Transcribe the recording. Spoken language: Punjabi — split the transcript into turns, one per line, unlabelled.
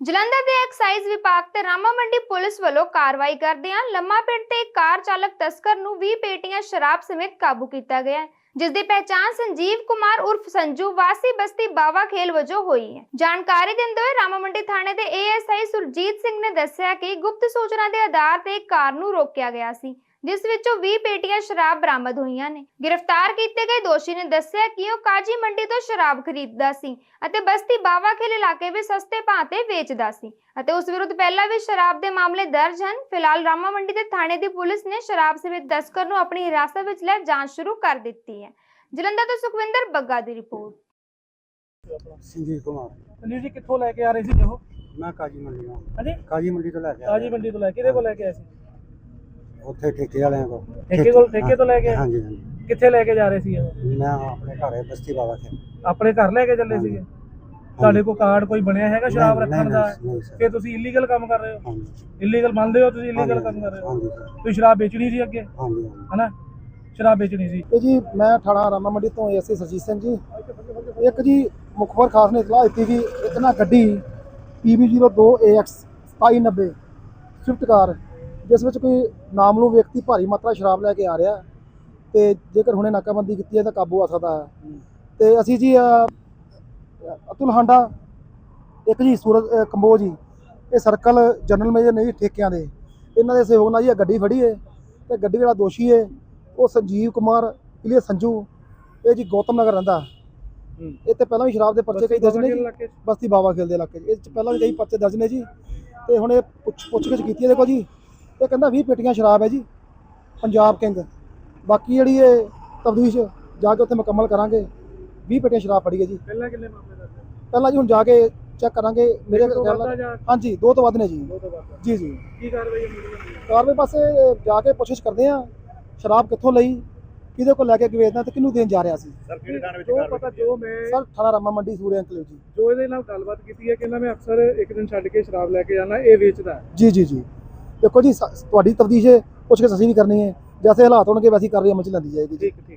ਜਲੰਧਰ ਦੇ ਐਕਸਾਈਜ਼ ਵਿਭਾਗ ਤੇ ਰਾਮਾ ਮੰਡੀ ਪੁਲਿਸ ਵੱਲੋਂ ਕਾਰਵਾਈ ਕਰਦਿਆਂ ਲੰਮਾ ਪਿੰਡ ਤੇ ਇੱਕ ਕਾਰ ਚਾਲਕ ਤਸਕਰ ਨੂੰ 20 ਪੇਟੀਆਂ ਸ਼ਰਾਬ ਸਮੇਤ ਕਾਬੂ ਕੀਤਾ ਗਿਆ ਹੈ, ਜਿਸ ਦੀ ਪਹਿਚਾਣ ਸੰਜੀਵ ਕੁਮਾਰ ਉਰਫ ਸੰਜੂ ਵਾਸੀ ਬਸਤੀ ਬਾਵਾ ਖੇਲ ਵਜੋਂ ਹੋਈ ਹੈ। ਜਾਣਕਾਰੀ ਦਿੰਦੇ ਹੋਏ ਰਾਮਾ ਮੰਡੀ ਥਾਣੇ ਦੇ ਏਐਸਆਈ ਸੁਰਜੀਤ ਸਿੰਘ ਨੇ ਦੱਸਿਆ ਕਿ ਗੁਪਤ ਸੂਚਨਾ ਦੇ ਆਧਾਰ ਤੇ ਇੱਕ ਕਾਰ ਨੂੰ ਰੋਕਿਆ ਗਿਆ ਸੀ, ਜਿਸ ਵਿੱਚੋਂ 20 ਪੇਟੀਆਂ ਸ਼ਰਾਬ ਬਰਾਮਦ ਹੋਈਆਂ ਨੇ। गिरफ्तार ਕੀਤੇ ਗਏ ਦੋਸ਼ੀ ਨੇ ਦੱਸਿਆ ਕਿ ਉਹ ਕਾਜੀ ਮੰਡੀ ਤੋਂ ਸ਼ਰਾਬ ਖਰੀਦਦਾ ਸੀ ਅਤੇ ਬਸਤੀ ਬਾਵਾ ਖੇਲ ਇਲਾਕੇ ਵਿੱਚ ਸਸਤੇ ਭਾਅ ਤੇ ਵੇਚਦਾ ਸੀ ਅਤੇ ਉਸ ਵਿਰੁੱਧ ਪਹਿਲਾਂ ਵੀ ਸ਼ਰਾਬ ਦੇ ਮਾਮਲੇ ਦਰਜ ਹਨ। ਫਿਲਹਾਲ ਰਾਮਾ ਮੰਡੀ ਦੇ ਥਾਣੇ ਦੀ ਪੁਲਿਸ ਨੇ ਸ਼ਰਾਬ ਸਮੇਤ ਤਸਕਰ ਨੂੰ ਆਪਣੀ ਹਿਰਾਸਤ ਵਿੱਚ ਲੈ ਜਾਂਚ ਸ਼ੁਰੂ ਕਰ ਦਿੱਤੀ ਹੈ। ਜਲੰਧਰ ਤੋਂ ਸੁਖਵਿੰਦਰ ਬੱਗਾ ਦੀ ਰਿਪੋर्ट।
संजीव कुमार
अनिल जी कित्थों लैके आ रहे सी जो?
मैं काजी मंडी हाँ
हाँ जी
काजी मंडी तो लैके
काजी मंडी तो लैके को लैके आए सी
उत्थे ठेके वाले को
ठेके तो लैके
हाँ जी
कित्थे लैके जा रहे सी ये?
मैं अपने घर है बस्ती बाबा थे
अपने घर लैके चले
हाँ जी।
सीगे ਤੁਹਾਡੇ ਕੋਲ ਕਾਰਡ ਕੋਈ ਬਣਿਆ ਹੈਗਾ ਸ਼ਰਾਬ
नहीं,
ਰੱਖਣ ਦਾ?
नहीं सर
ਕਿ ਤੁਸੀਂ ਇਲੀਗਲ ਕੰਮ ਕਰ ਰਹੇ ਹੋ?
हाँ जी
ਇਲੀਗਲ ਮੰਨਦੇ ਹੋ ਤੁਸੀਂ ਇਲੀਗਲ ਕੰਮ ਕਰ ਰਹੇ
हाँ
ਹੋ?
जी सर
ਤੁਸੀਂ ਸ਼ਰਾਬ ਵੇਚਣੀ ਸੀ ਅੱਗੇ
हाँ जी
ਹਨਾ? ਸ਼ਰਾਬ ਵੇਚਣੀ ਸੀ।
ਇਹ ਜੀ ਮੈਂ ਥਾਣਾ ਰਾਮਾ ਮੰਡੀ ਤੋਂ ਐਸਏ ਸਰਜੀਤ ਸਿੰਘ ਜੀ। ਇੱਕ ਜੀ ਮੁਖਬਰ ਖਾਸ ਨੇ ਇਤਲਾਹ ਦਿੱਤੀ ਕਿ ਇੱਕ ਨਾ ਗੱਡੀ PB02AX 2790 ਸਵਿਫਟ ਕਾਰ ਜਿਸ ਵਿੱਚ ਕੋਈ ਨਾਮਲੂਮ ਵਿਅਕਤੀ ਭਾਰੀ ਮਾਤਰਾ ਸ਼ਰਾਬ ਲੈ ਕੇ ਆ ਰਿਹਾ ਤੇ ਜੇਕਰ ਹੁਣੇ ਨਾਕਾਬੰਦੀ ਕੀਤੀ ਹੈ ਤਾਂ ਕਾਬੂ ਆ ਸਕਦਾ ਹੈ। ਤੇ ਅਸੀਂ ਜੀ ਅਤੁਲ ਹਾਂਡਾ ਇੱਕ ਜੀ ਸੂਰਜ ਕੰਬੋਜ ਜੀ ਇਹ ਸਰਕਲ ਜਨਰਲ ਮੇਜਰ ਨੇ ਜੀ ਠੇਕਿਆਂ ਦੇ ਇਹਨਾਂ ਦੇ ਸਹਿਯੋਗ ਨਾਲ ਜੀ ਇਹ ਗੱਡੀ ਫੜੀ ਹੈ ਤੇ ਗੱਡੀ ਜਿਹੜਾ ਦੋਸ਼ੀ ਹੈ ਉਹ ਸੰਜੀਵ ਕੁਮਾਰ ਇਲੀਆ ਸੰਜੂ ਇਹ ਜੀ ਗੌਤਮ ਨਗਰ ਰਹਿੰਦਾ। ਇਹ ਤੇ ਪਹਿਲਾਂ ਵੀ ਸ਼ਰਾਬ ਦੇ ਪਰਚੇ ਕਈ ਦਰਜ ਨੇ ਜੀ, ਬਸਤੀ ਬਾਵਾ ਖੇਲ ਦੇ ਇਲਾਕੇ 'ਚ ਇਹ 'ਚ ਪਹਿਲਾਂ ਵੀ ਕਈ ਪਰਚੇ ਦਰਜ ਨੇ ਜੀ। ਤੇ ਹੁਣ ਇਹ ਪੁੱਛਗਿੱਛ ਕੀਤੀ ਹੈ ਦੇਖੋ ਜੀ, ਇਹ ਕਹਿੰਦਾ 20 ਪੇਟੀਆਂ ਸ਼ਰਾਬ ਹੈ ਜੀ ਪੰਜਾਬ ਕਿੰਗ। ਬਾਕੀ ਜਿਹੜੀ ਇਹ ਤਫਤੀਸ਼ ਜਾ ਕੇ ਉੱਥੇ ਮੁਕੰਮਲ ਕਰਾਂਗੇ। 20 ਪੇਟੀਆਂ ਸ਼ਰਾਬ ਫੜੀ ਹੈ ਜੀ।
ਪਹਿਲਾਂ ਕਿੰਨੇ ਮਾਮਲੇ ਦਰਜ?
ਪਹਿਲਾਂ ਜੀ ਹੁਣ ਜਾ ਕੇ ਚੈੱਕ ਕਰਾਂਗੇ। ਮੇਰੇ ਖਿਆਲ ਨਾਲ ਹਾਂਜੀ 2 ਤੋਂ ਵੱਧ ਨੇ ਜੀ। ਜੀ ਜੀ
ਕੀ ਕਾਰਵਾਈ ਹੋਈ?
ਕਾਰਵਾਈ ਪਾਸੇ ਜਾ ਕੇ ਪੁੱਛਗਿੱਛ ਕਰਦੇ ਆ ਸ਼ਰਾਬ ਕਿੱਥੋਂ ਲਈ, ਕਿਹਦੇ ਕੋਲ ਲੈ ਕੇ ਵੇਚਦਾ ਤੇ ਕਿਹਨੂੰ ਦੇਣ ਜਾ ਰਿਹਾ ਸੀ।
ਸਰ ਕਿਹੜੇ ਥਾਣੇ ਵਿੱਚ ਜੋ ਮੈਂ
ਸਰ ਥਾਣਾ ਰਾਮਾ ਮੰਡੀ ਸੂਰਿਆ ਅੰਕਲ ਜੀ।
ਜੋ ਇਹਦੇ ਨਾਲ ਗੱਲਬਾਤ ਕੀਤੀ ਹੈ ਕਿ ਇਹਨਾਂ ਮੈਂ ਅਕਸਰ ਇੱਕ ਦਿਨ ਛੱਡ ਕੇ ਸ਼ਰਾਬ ਲੈ ਕੇ ਜਾਣਾ, ਇਹ ਵੇਚਦਾ ਹੈ।
ਜੀ ਜੀ ਜੀ ਦੇਖੋ ਜੀ ਤੁਹਾਡੀ ਤਫਤੀਸ਼ ਪੁੱਛਗਿੱਛ ਅਸੀਂ ਵੀ ਕਰਨੀ ਹੈ, ਜੈਸੇ ਹਾਲਾਤ ਹੋਣਗੇ ਵੈਸੀ ਕਾਰਵਾਈ ਅਮਲ ਚ ਲੈਂਦੀ ਜਾਏਗੀ ਜੀ।
ਠੀਕ।